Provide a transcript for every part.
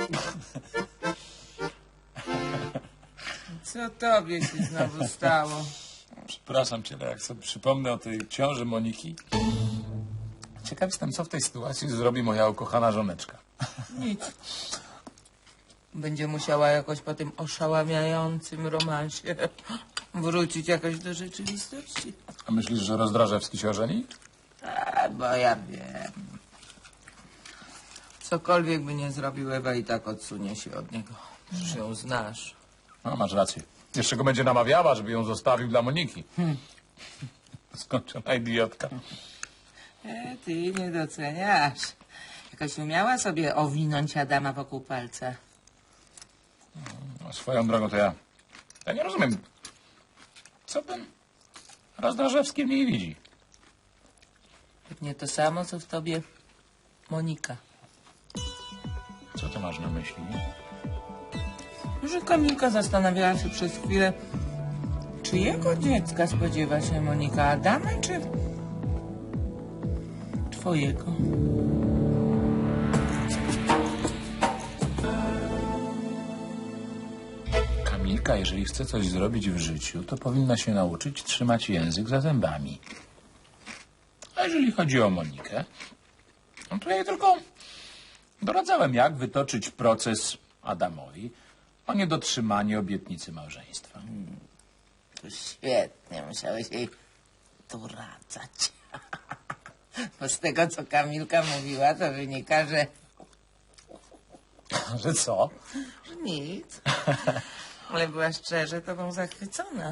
Co tobie się znowu stało? Przepraszam cię, ale jak sobie przypomnę o tej ciąży Moniki, ciekaw jestem, co w tej sytuacji zrobi moja ukochana żoneczka. Nic. Będzie musiała jakoś po tym oszałamiającym romansie wrócić jakoś do rzeczywistości. A myślisz, że Rozdrażewski się ożeni? A, bo ja wiem. Cokolwiek by nie zrobił, Ewa i tak odsunie się od niego. Już ją znasz. No, masz rację. Jeszcze go będzie namawiała, żeby ją zostawił dla Moniki. Skończona idiotka. Ty nie doceniasz. Jakoś umiała sobie owinąć Adama wokół palca. No, swoją drogą to ja nie rozumiem, co ten Rozdrażewski w niej widzi. Pewnie to samo, co w tobie Monika. Co ty masz na myśli? Że Kamilka zastanawiała się przez chwilę, czyjego dziecka spodziewa się Monika, Adama czy twojego? Kamilka, jeżeli chce coś zrobić w życiu, to powinna się nauczyć trzymać język za zębami. A jeżeli chodzi o Monikę, no to ja jej tylko doradzałem, jak wytoczyć proces Adamowi o niedotrzymanie obietnicy małżeństwa. To świetnie, musiałeś jej doradzać. Bo z tego, co Kamilka mówiła, to wynika, że Że co? nic. Ale była szczerze tobą zachwycona.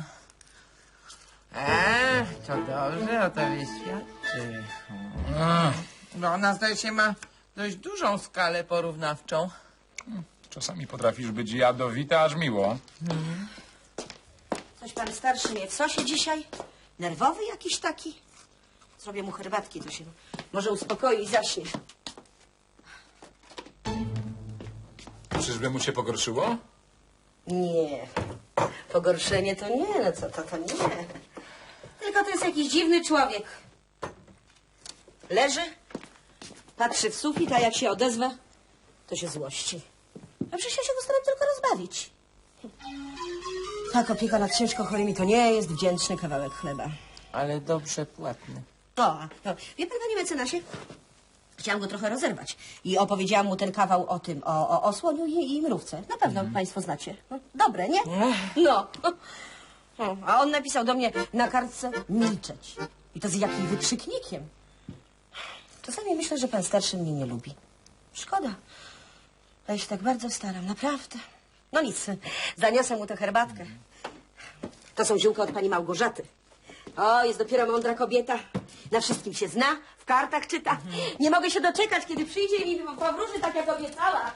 To dobrze o tobie świadczy. No ona, zdaje się, ma dość dużą skalę porównawczą. Czasami potrafisz być jadowita, aż miło. Coś pan starszy mnie w sosie dzisiaj? Nerwowy jakiś taki? Zrobię mu herbatki, to się może uspokoi i zaśnie. Czyżby mu się pogorszyło? Nie. Pogorszenie to nie, no co to nie. Tylko to jest jakiś dziwny człowiek. Leży, patrzy w sufit, a jak się odezwę, to się złości. A przecież ja się go staram tylko rozbawić. Tak, opieka nad ciężko chorymi to nie jest wdzięczny kawałek chleba. Ale dobrze płatny. Wie pan, panie mecenasie? Chciałam go trochę rozerwać i opowiedziałam mu ten kawał o tym, o słoniu i mrówce. Na pewno państwo znacie. No, dobre, nie? No. A on napisał do mnie na kartce milczeć. I to z jakim wykrzyknikiem. Czasami myślę, że pan starszy mnie nie lubi. Szkoda. Ja się tak bardzo staram, naprawdę. No nic, zaniosę mu tę herbatkę. To są ziółka od pani Małgorzaty. O, jest dopiero mądra kobieta. Na wszystkim się zna, w kartach czyta. Nie mogę się doczekać, kiedy przyjdzie i mi powróży tak, jak obiecała.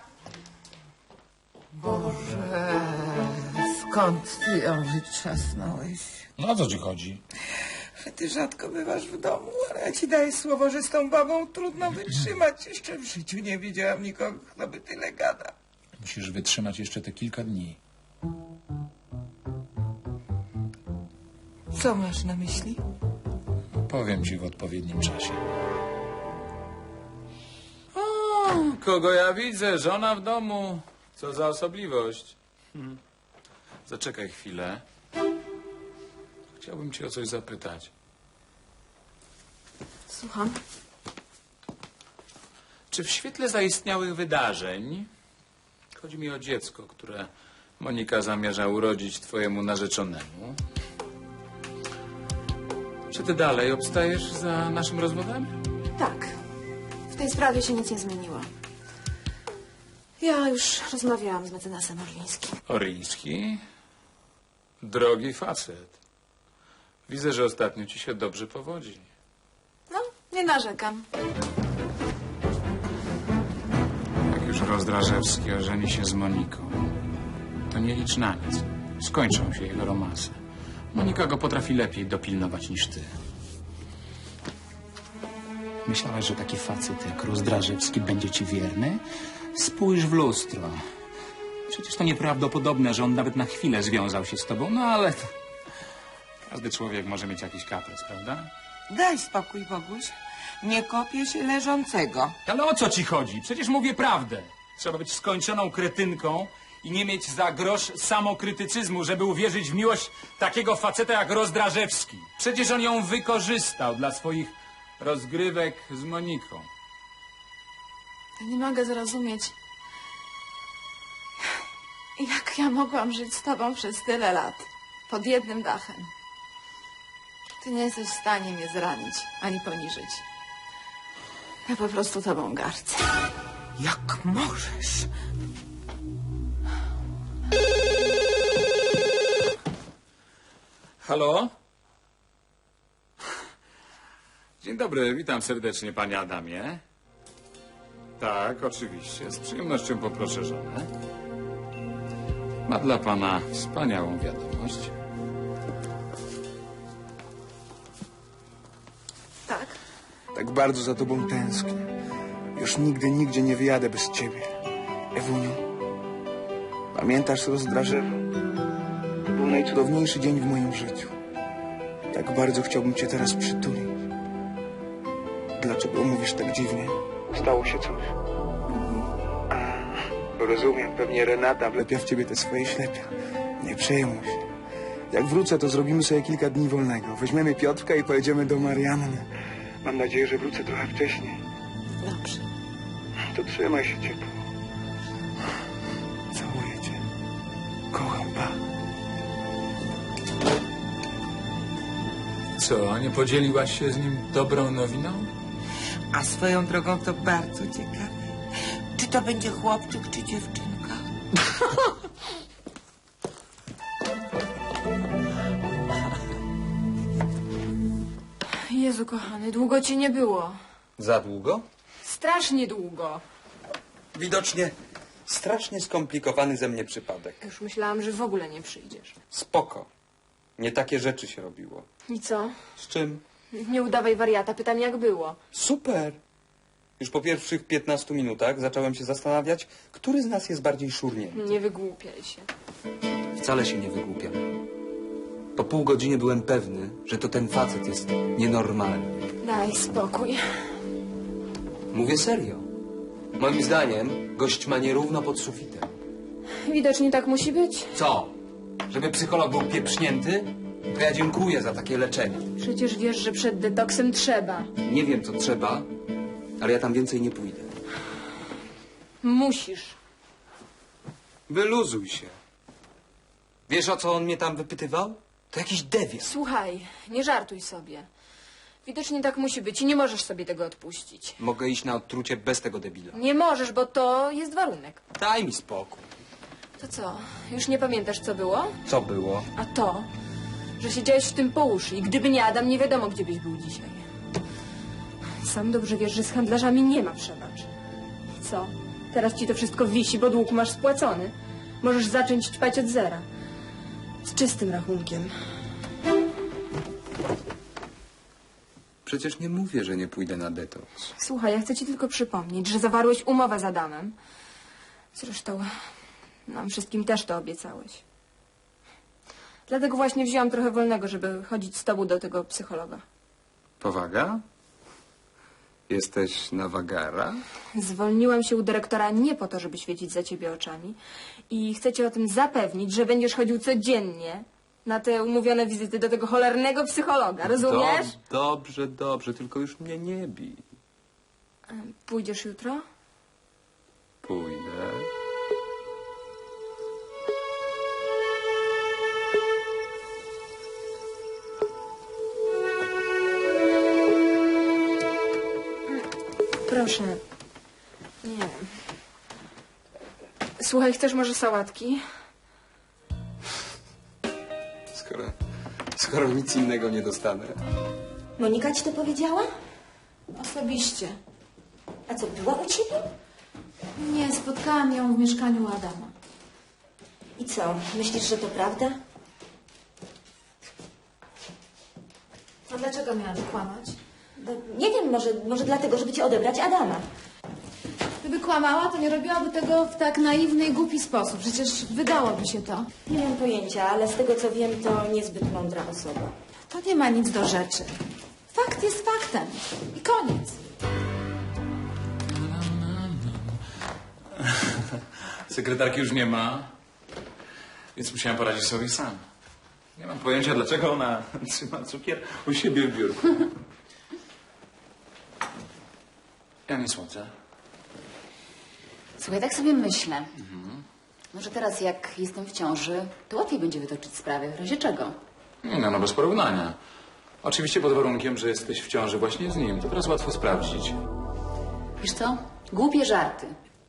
Boże, skąd ty ją wytrzasnąłeś? No o co ci chodzi? Ty rzadko bywasz w domu, ale ja ci daję słowo, że z tą babą trudno wytrzymać. Jeszcze w życiu nie widziałam nikogo, kto by tyle gada. Musisz wytrzymać jeszcze te kilka dni. Co masz na myśli? Powiem ci w odpowiednim czasie. O, kogo ja widzę? Żona w domu. Co za osobliwość. Zaczekaj chwilę. Chciałbym cię o coś zapytać. Słucham. Czy w świetle zaistniałych wydarzeń, chodzi mi o dziecko, które Monika zamierza urodzić twojemu narzeczonemu, czy ty dalej obstajesz za naszym rozwodem? Tak. W tej sprawie się nic nie zmieniło. Ja już rozmawiałam z mecenasem Orlińskim. Oryński? Drogi facet. Widzę, że ostatnio ci się dobrze powodzi. No, nie narzekam. Jak już Rozdrażewski ożeni się z Moniką, to nie licz na nic. Skończą się jego romanse. Monika go potrafi lepiej dopilnować niż ty. Myślałeś, że taki facet jak Rozdrażewski będzie ci wierny? Spójrz w lustro. Przecież to nieprawdopodobne, że on nawet na chwilę związał się z tobą, no ale każdy człowiek może mieć jakiś kaprys, prawda? Daj spokój, Boguś. Nie kopię się leżącego. Ale o co ci chodzi? Przecież mówię prawdę. Trzeba być skończoną kretynką i nie mieć za grosz samokrytycyzmu, żeby uwierzyć w miłość takiego faceta jak Rozdrażewski. Przecież on ją wykorzystał dla swoich rozgrywek z Moniką. Ja nie mogę zrozumieć, jak ja mogłam żyć z tobą przez tyle lat, pod jednym dachem. Ty nie jesteś w stanie mnie zranić, ani poniżyć. Ja po prostu tobą gardzę. Jak możesz? Halo? Dzień dobry, witam serdecznie, panie Adamie. Tak, oczywiście, z przyjemnością poproszę żonę. Ma dla pana wspaniałą wiadomość. Tak? Tak bardzo za tobą tęsknię. Już nigdy, nigdzie nie wyjadę bez ciebie. Ewuniu, pamiętasz Rozdrażewo? To był najcudowniejszy dzień w moim życiu. Jak bardzo chciałbym cię teraz przytulić. Dlaczego mówisz tak dziwnie? Stało się coś? Rozumiem, pewnie Renata wlepia w ciebie te swoje ślepia. Nie przejmuj się. Jak wrócę, to zrobimy sobie kilka dni wolnego. Weźmiemy Piotrka i pojedziemy do Marianny. Mam nadzieję, że wrócę trochę wcześniej. Dobrze. To trzymaj się ciepło. Całuję cię. Kocham, pa. Co, nie podzieliłaś się z nim dobrą nowiną? A swoją drogą to bardzo ciekawe. Czy to będzie chłopczyk, czy dziewczynka? Jezu kochany, długo cię nie było. Za długo? Strasznie długo. Widocznie strasznie skomplikowany ze mnie przypadek. Już myślałam, że w ogóle nie przyjdziesz. Spoko. Nie takie rzeczy się robiło. I co? Z czym? Nie udawaj wariata, pytam jak było. Super! Już po pierwszych 15 minutach zacząłem się zastanawiać, który z nas jest bardziej szurnięty. Nie wygłupiaj się. Wcale się nie wygłupiam. Po pół godziny byłem pewny, że to ten facet jest nienormalny. Daj spokój. Mówię serio. Moim zdaniem gość ma nierówno pod sufitem. Widocznie tak musi być. Co? Żeby psycholog był pieprznięty? To ja dziękuję za takie leczenie. Przecież wiesz, że przed detoksem trzeba. Nie wiem, co trzeba, ale ja tam więcej nie pójdę. Musisz. Wyluzuj się. Wiesz, o co on mnie tam wypytywał? To jakiś dewiant. Słuchaj, nie żartuj sobie. Widocznie tak musi być i nie możesz sobie tego odpuścić. Mogę iść na odtrucie bez tego debila. Nie możesz, bo to jest warunek. Daj mi spokój. To co, już nie pamiętasz, co było? Co było? A to, że siedziałeś w tym po uszy i gdyby nie Adam, nie wiadomo, gdzie byś był dzisiaj. Sam dobrze wiesz, że z handlarzami nie ma przebacz. Co? Teraz ci to wszystko wisi, bo dług masz spłacony. Możesz zacząć ćpać od zera. Z czystym rachunkiem. Przecież nie mówię, że nie pójdę na detoks. Słuchaj, ja chcę ci tylko przypomnieć, że zawarłeś umowę z Adamem. Zresztą nam wszystkim też to obiecałeś. Dlatego właśnie wzięłam trochę wolnego, żeby chodzić z tobą do tego psychologa. Powaga? Jesteś na wagara? Zwolniłam się u dyrektora nie po to, żeby świecić za ciebie oczami. I chcę cię o tym zapewnić, że będziesz chodził codziennie na te umówione wizyty do tego cholernego psychologa. Rozumiesz? Dobrze, dobrze, tylko już mnie nie bij. Pójdziesz jutro? Pójdę. Proszę. Nie. Słuchaj, chcesz może sałatki? Skoro nic innego nie dostanę. Monika ci to powiedziała? Osobiście. A co, była u ciebie? Nie, spotkałam ją w mieszkaniu u Adama. I co, myślisz, że to prawda? A dlaczego miałam kłamać? No, nie wiem, może dlatego, żeby ci odebrać Adama. Gdyby kłamała, to nie robiłaby tego w tak naiwny i głupi sposób. Przecież wydałoby się to. Nie mam pojęcia, ale z tego co wiem, to niezbyt mądra osoba. To nie ma nic do rzeczy. Fakt jest faktem. I koniec. Sekretarki już nie ma, więc musiałem poradzić sobie sam. Nie mam pojęcia, dlaczego ona trzyma cukier u siebie w biurku. Ja nie słodzę. Słuchaj, tak sobie myślę. Może teraz, jak jestem w ciąży, to łatwiej będzie wytoczyć sprawę. W razie czego? No, bez porównania. Oczywiście pod warunkiem, że jesteś w ciąży właśnie z nim. To teraz łatwo sprawdzić. Wiesz co? Głupie żarty.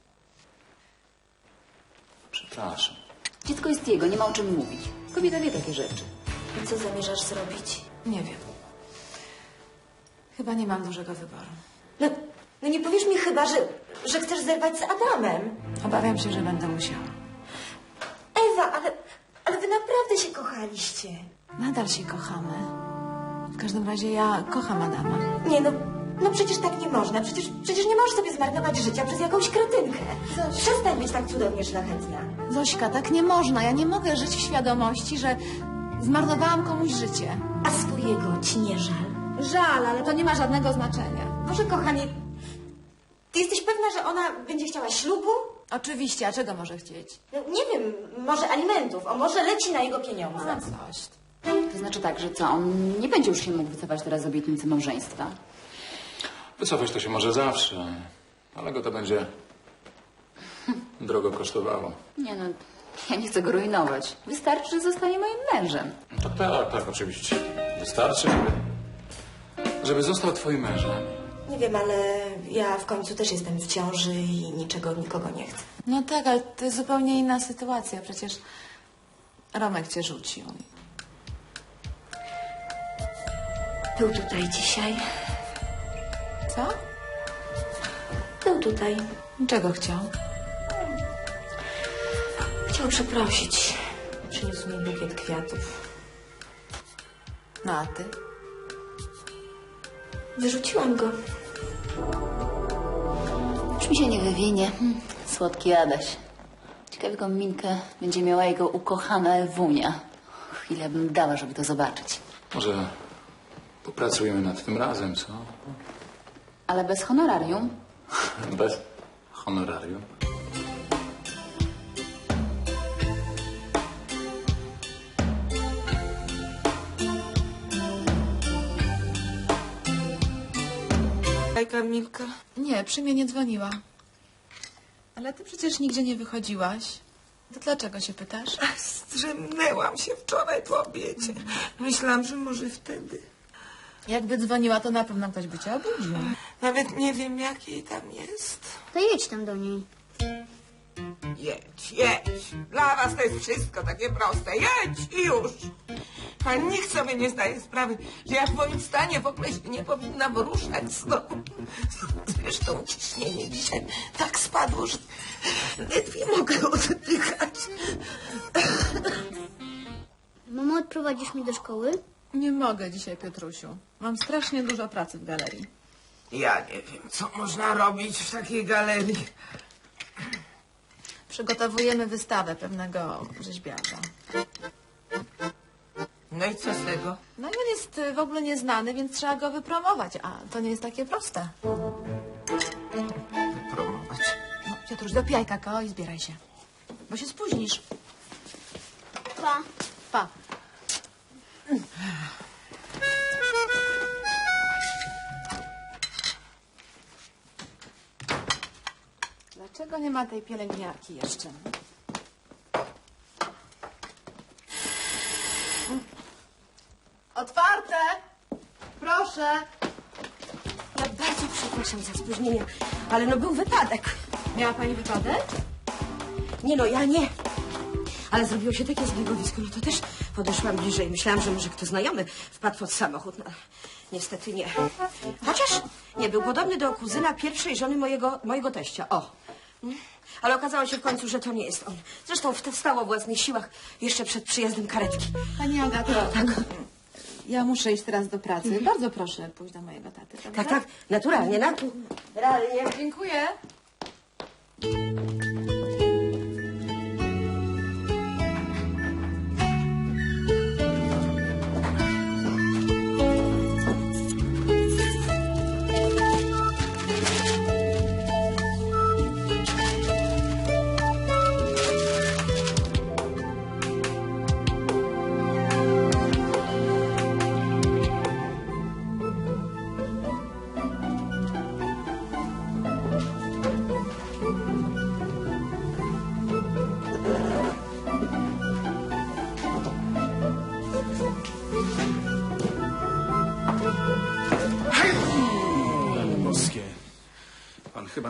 Przepraszam. Dziecko jest jego, nie ma o czym mówić. Kobieta wie takie rzeczy. I co zamierzasz zrobić? Nie wiem. Chyba nie mam dużego wyboru. No nie powiesz mi chyba, że chcesz zerwać z Adamem. Obawiam się, że będę musiała. Ewa, ale wy naprawdę się kochaliście. Nadal się kochamy. W każdym razie ja kocham Adama. Nie no przecież tak nie można. Przecież nie możesz sobie zmarnować życia przez jakąś kretynkę. Przestań być tak cudownie szlachetna. Zośka, tak nie można. Ja nie mogę żyć w świadomości, że zmarnowałam komuś życie. A swojego ci nie żal? Żal, ale to nie ma żadnego znaczenia. Boże kochanie, ty jesteś pewna, że ona będzie chciała ślubu? Oczywiście, a czego może chcieć? No, nie wiem, może alimentów, a może leci na jego pieniądze. Coś. To znaczy tak, że co? On nie będzie już się mógł wycofać teraz z obietnicy małżeństwa. Wycofać to się może zawsze, ale go to będzie drogo kosztowało. Nie no, ja nie chcę go rujnować. Wystarczy, że zostanie moim mężem. Tak, oczywiście. Wystarczy, żeby został twoim mężem. Nie wiem, ale ja w końcu też jestem w ciąży i niczego nikogo nie chcę. No tak, ale to jest zupełnie inna sytuacja. Przecież Romek cię rzucił. Był tutaj dzisiaj. Co? Był tutaj. Czego chciał? Chciał przeprosić. Przyniósł mi bukiet kwiatów. No a ty? Wyrzuciłam go. Już mi się nie wywinie. Słodki Adaś. Ciekawe, jaką minkę będzie miała jego ukochana Ewunia. Chwilę bym dała, żeby to zobaczyć. Może popracujemy nad tym razem, co? Ale bez honorarium. Bez honorarium. Kamilka? Nie, przy mnie nie dzwoniła. Ale ty przecież nigdzie nie wychodziłaś. To dlaczego się pytasz? Zdrzemnęłam się wczoraj po obiedzie. Myślałam, że może wtedy. Jakby dzwoniła, to na pewno ktoś by cię obudził. Nawet nie wiem, jak jej tam jest. To jedź tam do niej. Jedź. Dla was to jest wszystko takie proste. Jedź i już. A nikt sobie nie zdaje sprawy, że ja w moim stanie w ogóle się nie powinnam ruszać z domu. Zresztą ciśnienie dzisiaj tak spadło, że ledwie mogę oddychać. Mamo, odprowadzisz mnie do szkoły? Nie mogę dzisiaj, Piotrusiu. Mam strasznie dużo pracy w galerii. Ja nie wiem, co można robić w takiej galerii. Przygotowujemy wystawę pewnego rzeźbiarza. No i co z tego? No i on jest w ogóle nieznany, więc trzeba go wypromować, a to nie jest takie proste. Promować. No, Piotruś, dopijaj kakao i zbieraj się, bo się spóźnisz. Pa. Pa. Dlaczego nie ma tej pielęgniarki jeszcze? Otwarte! Proszę! Ja bardzo przepraszam za spóźnienie, ale no był wypadek. Miała pani wypadek? Nie no, ja nie. Ale zrobiło się takie zbiegowisko, no to też podeszłam bliżej. Myślałam, że może kto znajomy wpadł pod samochód. No, niestety nie. Chociaż nie, był podobny do kuzyna pierwszej żony mojego teścia. O. Ale okazało się w końcu, że to nie jest on. Zresztą wstał o własnych siłach jeszcze przed przyjazdem karetki. Pani Agato, tak. Ja muszę iść teraz do pracy. Bardzo proszę pójść do mojego taty. Dobrze? Tak, naturalnie, naturalnie. Dziękuję.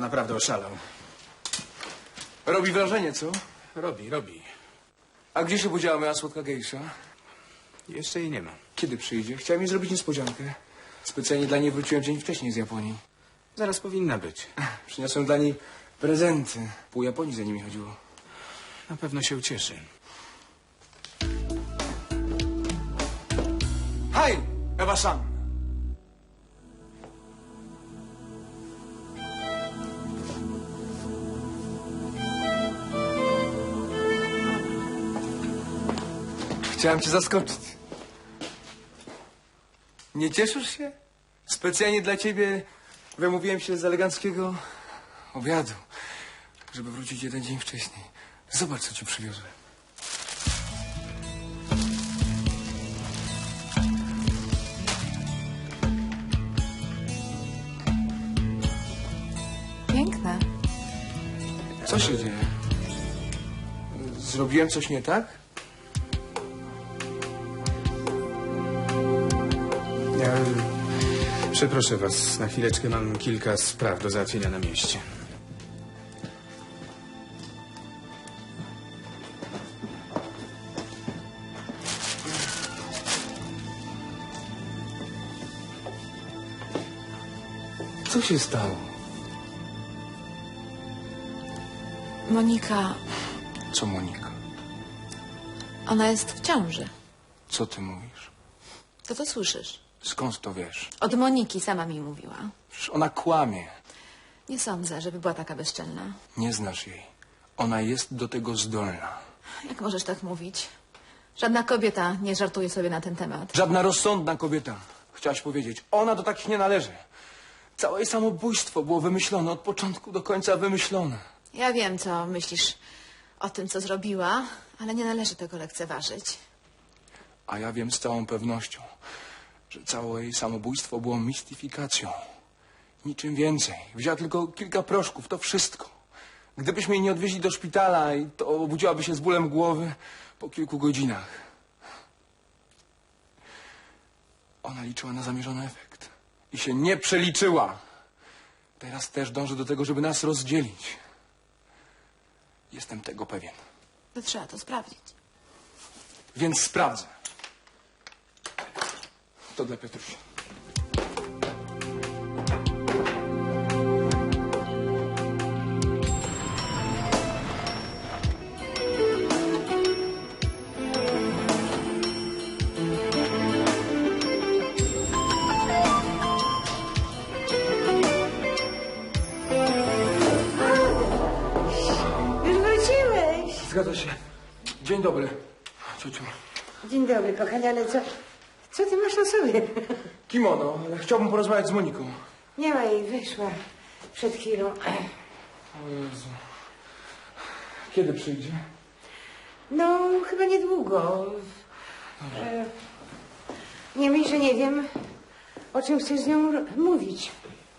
naprawdę oszalał. Robi wrażenie, co? Robi. A gdzie się podziała moja słodka gejsza? Jeszcze jej nie ma. Kiedy przyjdzie? Chciałem jej zrobić niespodziankę. Specjalnie dla niej wróciłem dzień wcześniej z Japonii. Zaraz powinna być. Przyniosłem dla niej prezenty. Pół Japonii za nimi chodziło. Na pewno się ucieszy. Hej, Ewa-san! Chciałem cię zaskoczyć. Nie cieszysz się? Specjalnie dla ciebie wymówiłem się z eleganckiego obiadu, żeby wrócić jeden dzień wcześniej. Zobacz, co ci przywiozłem. Piękne. Co się dzieje? Zrobiłem coś nie tak? Ja przeproszę was, na chwileczkę mam kilka spraw do załatwienia na mieście. Co się stało? Monika, Co, Monika? ona jest w ciąży. Co ty mówisz? To słyszysz. Skąd to wiesz? Od Moniki sama mi mówiła. Przecież ona kłamie. Nie sądzę, żeby była taka bezczelna. Nie znasz jej. Ona jest do tego zdolna. Jak możesz tak mówić? Żadna kobieta nie żartuje sobie na ten temat. Żadna rozsądna kobieta. Chciałaś powiedzieć. Ona do takich nie należy. Całe jej samobójstwo było wymyślone. Od początku do końca wymyślone. Ja wiem, co myślisz o tym, co zrobiła, ale nie należy tego lekceważyć. A ja wiem z całą pewnością, że całe jej samobójstwo było mistyfikacją. Niczym więcej. Wzięła tylko kilka proszków, to wszystko. Gdybyśmy jej nie odwieźli do szpitala, i to obudziłaby się z bólem głowy po kilku godzinach. Ona liczyła na zamierzony efekt. I się nie przeliczyła. Teraz też dąży do tego, żeby nas rozdzielić. Jestem tego pewien. To trzeba to sprawdzić. Więc sprawdzę. To dla Piotrusia. Już wróciłeś. Zgadza się. Dzień dobry, ciociu. Dzień dobry, kochanie, ale co ty masz na sobie? Kimono, ale chciałbym porozmawiać z Moniką. Nie ma jej, wyszła przed chwilą. O Jezu. Kiedy przyjdzie? No, chyba niedługo. Nie myśl, że nie wiem, o czym chcesz z nią mówić.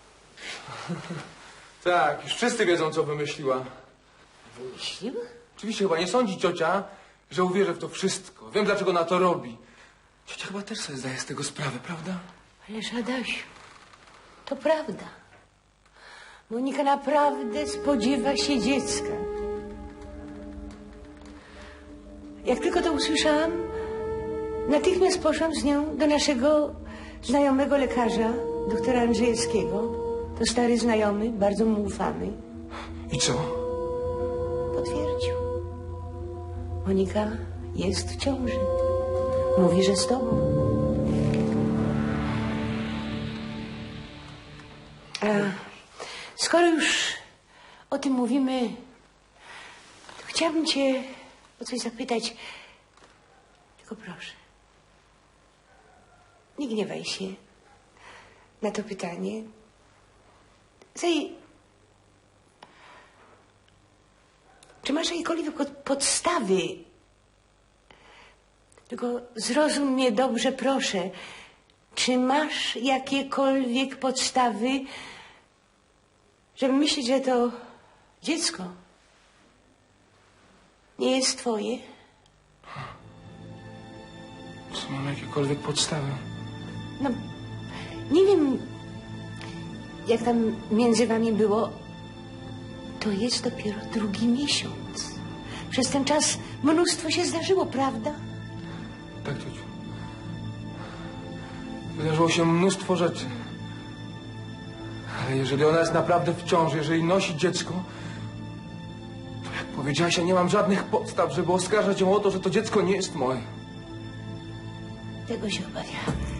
Tak, już wszyscy wiedzą, co wymyśliła. Wymyślił? Oczywiście chyba nie sądzi ciocia, że uwierzę w to wszystko. Wiem, dlaczego ona to robi. Ciocia chyba też sobie zdaje z tego sprawę, prawda? Ależ Adasiu, to prawda. Monika naprawdę spodziewa się dziecka. Jak tylko to usłyszałam, natychmiast poszłam z nią do naszego znajomego lekarza, doktora Andrzejewskiego. To stary znajomy, bardzo mu ufamy. I co? Potwierdził. Monika jest w ciąży. Mówi, że z tobą. A skoro już o tym mówimy, to chciałabym cię o coś zapytać. Tylko proszę, nie gniewaj się na to pytanie. Czy masz jakiekolwiek podstawy? Tylko zrozum mnie dobrze, proszę. Czy masz jakiekolwiek podstawy, żeby myśleć, że to dziecko nie jest twoje? Czy mam jakiekolwiek podstawy? No, nie wiem, jak tam między wami było, To jest dopiero 2. miesiąc. Przez ten czas mnóstwo się zdarzyło, prawda? Tak, ciociu. Wydarzyło się mnóstwo rzeczy. Ale jeżeli ona jest naprawdę w ciąży, jeżeli nosi dziecko, to jak powiedziałaś, ja nie mam żadnych podstaw, żeby oskarżać ją o to, że to dziecko nie jest moje. Tego się obawiam.